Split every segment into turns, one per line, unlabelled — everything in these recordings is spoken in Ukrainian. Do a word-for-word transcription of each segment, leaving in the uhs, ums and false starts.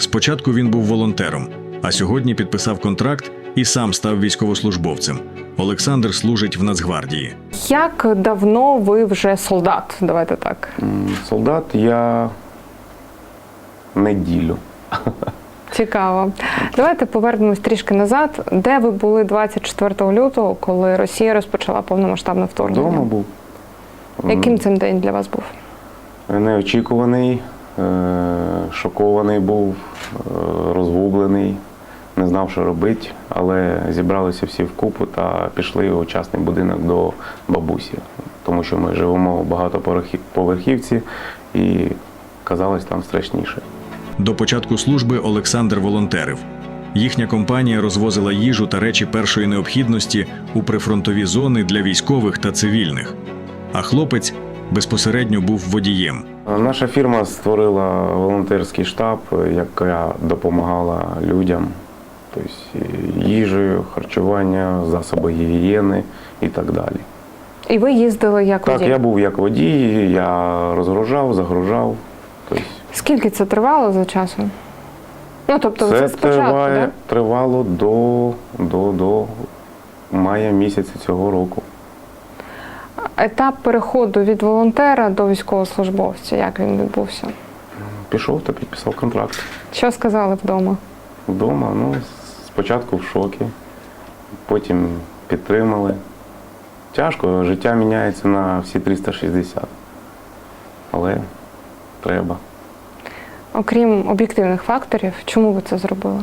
Спочатку він був волонтером, а сьогодні підписав контракт і сам став військовослужбовцем. Олександр служить в Нацгвардії.
Як давно ви вже солдат? Давайте так.
Солдат я неділю.
Цікаво. Давайте повернемось трішки назад. Де ви були двадцять четвертого лютого, коли Росія розпочала повномасштабне вторгнення?
Вдома був.
Яким цим день для вас був?
Неочікуваний, шокований був, розгублений, не знав, що робити, але зібралися всі вкупу та пішли у частний будинок до бабусі, тому що ми живемо в багатоповерхівці і казалось там страшніше.
До початку служби Олександр волонтерив. Їхня компанія розвозила їжу та речі першої необхідності у прифронтові зони для військових та цивільних. А хлопець безпосередньо був водієм.
Наша фірма створила волонтерський штаб, яка допомагала людям, тобто їжею, харчування, засоби гігієни і так далі.
І ви їздили як водій?
Так, я був як водій, я розгружав, загружав. Тобто
Скільки це тривало за часом? Ну, тобто
це
це спочатку,
триває,
да?
тривало до, до, до мая місяця цього року.
Етап переходу від волонтера до військовослужбовця, як він відбувся?
Пішов та підписав контракт.
Що сказали вдома?
Вдома, ну, спочатку в шокі, потім підтримали. Тяжко, життя міняється на всі триста шістдесят. Але треба.
Окрім об'єктивних факторів, чому ви це зробили?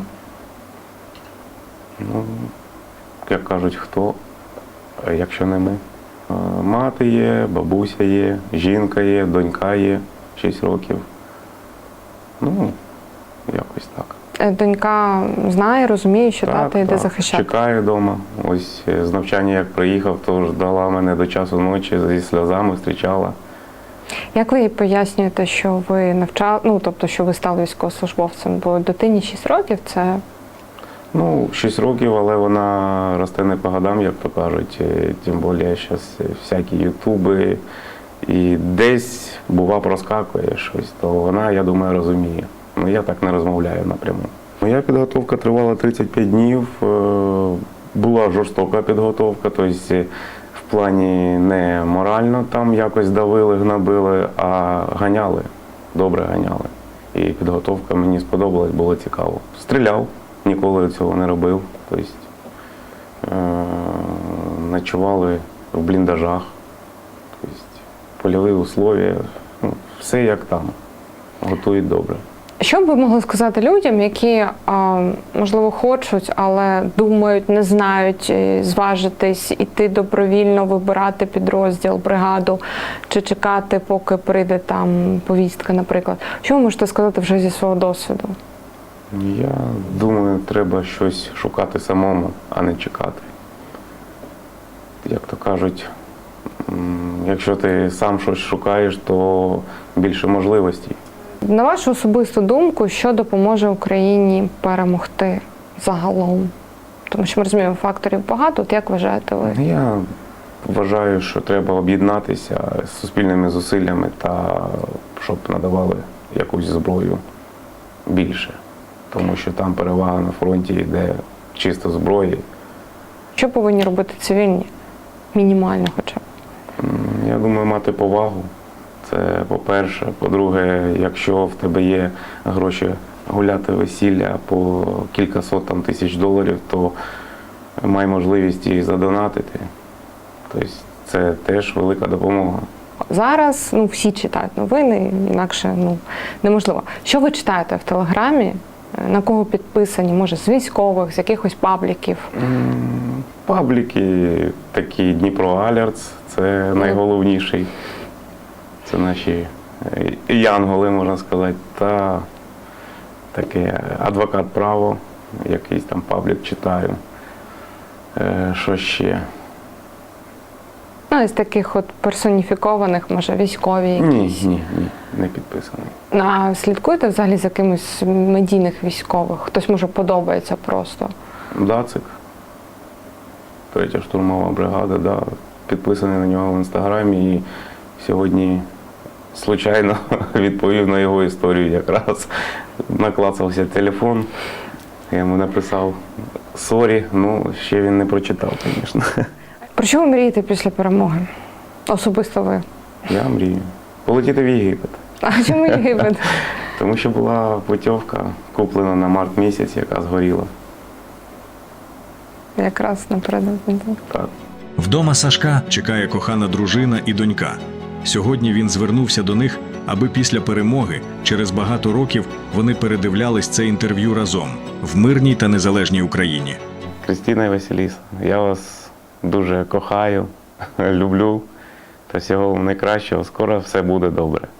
Ну, як кажуть, хто, якщо не ми. Мати є, бабуся є, жінка є, донька є, шість років. Ну, якось так.
Донька знає, розуміє, що
Так,
тато йде
так.
захищати?
Чекає вдома. Ось з навчання як приїхав, то ждала мене до часу ночі, зі сльозами зустрічала.
Як ви їй пояснюєте, що ви навчали, ну, тобто, що ви стали військовослужбовцем? Бо дитині шість років – це…
Ну, шість років, але вона росте не по годам, як то кажуть. Тим більше зараз всякі ютуби. І десь, бува, проскакує щось, то вона, я думаю, розуміє. Ну, я так не розмовляю напряму. Моя підготовка тривала тридцять п'ять днів. Була жорстока підготовка, тобто в плані не морально там якось давили, гнобили, а ганяли, добре ганяли. І підготовка мені сподобалась, було цікаво. Стріляв. Ніколи цього не робив. Тобто, е- ночували в бліндажах, тобто, польові условия, ну, все як там, готують добре.
Що б ви могли сказати людям, які, можливо, хочуть, але думають, не знають зважитись, іти добровільно, вибирати підрозділ, бригаду, чи чекати, поки прийде там повістка, наприклад? Що ви можете сказати вже зі свого досвіду?
Я думаю, треба щось шукати самому, а не чекати. Як то кажуть, якщо ти сам щось шукаєш, то більше можливостей.
На вашу особисту думку, що допоможе Україні перемогти загалом? Тому що ми розуміємо, факторів багато. От як вважаєте ви?
Я вважаю, що треба об'єднатися з суспільними зусиллями та щоб надавали якусь зброю більше. Тому що там перевага на фронті йде чисто зброї.
Що повинні робити цивільні? Мінімально хоча б.
Я думаю, мати повагу. Це по-перше. По-друге, якщо в тебе є гроші гуляти весілля по кількасот там, тисяч доларів, то май можливість її задонатити. Тобто це теж велика допомога.
Зараз ну, всі читають новини, інакше ну, неможливо. Що ви читаєте в Телеграмі? На кого підписані? Може, з військових, з якихось пабліків?
Пабліки такі Дніпро Алертс, це найголовніший. Це наші янголи, можна сказати, та таке адвокат право, якийсь там паблік читаю. Що ще?
Ну, із таких от персоніфікованих, може, військові якісь?
Ні, ні, ні, не підписаний.
А слідкуєте взагалі за якимось медійних військових? Хтось, може, подобається просто?
Дацик, третя штурмова бригада, да, підписаний на нього в інстаграмі і сьогодні случайно відповів на його історію якраз. Наклацався телефон, я йому написав «сорі», ну, ще він не прочитав, звісно.
Про що ви мрієте після перемоги? Особисто ви.
Я мрію. Полетіти в Єгипет.
А чому Єгипет?
Тому що була путівка, куплена на март місяць, яка згоріла.
Якраз напередодні.
Так.
Вдома Сашка чекає кохана дружина і донька. Сьогодні він звернувся до них, аби після перемоги, через багато років, вони передивлялись це інтерв'ю разом в мирній та незалежній Україні.
Крістіна і Василіса, я вас дуже кохаю, люблю. Та всього вам найкращого. Скоро все буде добре.